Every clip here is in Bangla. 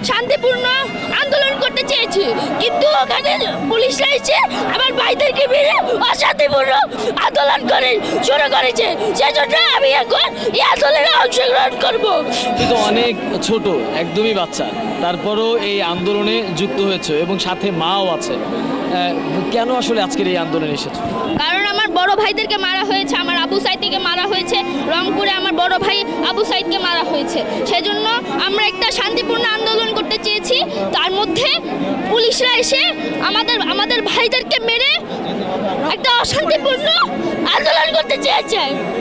শান্তিপূর্ণ আন্দোলন করতে চেয়েছি, কিন্তু ওখানে পুলিশরা এসে আমার ভাইদেরকে মেরে অশান্তিপূর্ণ আন্দোলন করে শুরু করেছে। সেজন্য আমি এখন এই আন্দোলনে অংশগ্রহণ করব। কিন্তু অনেক ছোট, একদমই বাচ্চা, তারপরও এই আন্দোলনে যুক্ত হয়েছে এবং সাথে মাও আছে। কেন আসলে আজকের এই আন্দোলনে এসেছো? কারণ আমার বড় ভাইদেরকে মারা হয়েছে, আমার আবু সাইদকে মারা হয়েছে, রংপুরে আমার বড় ভাই আবু সাইদকে মারা হয়েছে। সেজন্য আমরা একটা শান্তিপূর্ণ আন্দোলন করতে চেয়েছি, তার মধ্যে পুলিশরা এসে আমাদের ভাইদেরকে মেরে একটা অশান্তিপূর্ণ আন্দোলন করতে চেয়েছে।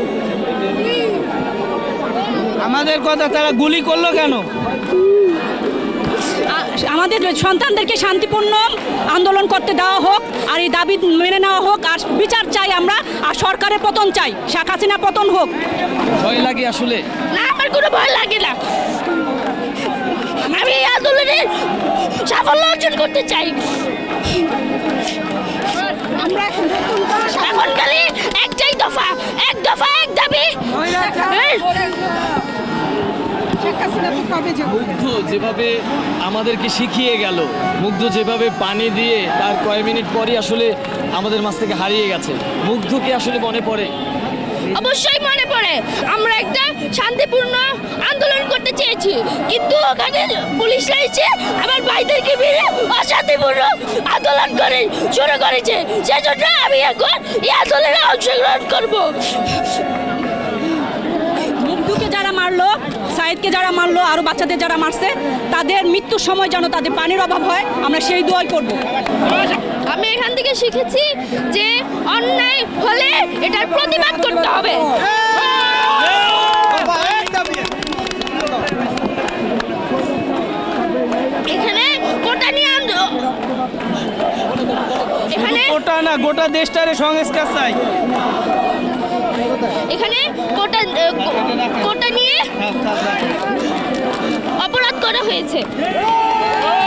আমাদের কথা তারা গুলি করলো কেন? আমাদের সন্তানদেরকে শান্তিপূর্ণ আন্দোলন করতে দেওয়া হোক, আর এই দাবি মেনে নেওয়া হোক, আর বিচার চাই আমরা, আর সরকারের পতন চাই, শেখ হাসিনা পতন হোক। ভয় লাগে আসলে? না, আমার কোনো ভয় লাগে না। আমি এই আন্দোলনে সাফল্য অর্জন করতে চাই। আমরা এখন খালি একটাই দফা, এক দফা এক দাবি। মুগ্ধ যেভাবে আমাদেরকে শিখিয়ে গেল, মুগ্ধ যেভাবে পানি দিয়ে তার কয়েক মিনিট পরই আসলে আমাদের মাছ থেকে হারিয়ে গেছে, মুগ্ধকে আসলে মনে পড়ে? অবশ্যই মনে পড়ে। আমরা একটা শান্তিপূর্ণ আন্দোলন করতে চেয়েছি, কিন্তু ওখানে পুলিশরা এসে আমার ভাইদেরকে মেরে অশান্তিপূর্ণ আন্দোলন করে শুরু করেছে। সেজন্য আমি এখন এই আন্দোলনে অংশগ্রহণ করব। মুগ্ধকে যারা মারলো, সাইদকে যারা মারলো, আরও বাচ্চাদের যারা মারছে, তাদের মৃত্যুর সময় যেন তাদের পানির অভাব হয়, আমরা সেই দোয়াই করব। আমি এখান থেকে শিখেছি যে অন্যায় হলে এটার প্রতিবাদ করতে হবে। এখানে কোটা নিয়ে এখানে ওটা না, গোটা দেশটারে সংস্কার চাই। এখানে কোটা নিয়ে অপরাধ করা হয়েছে।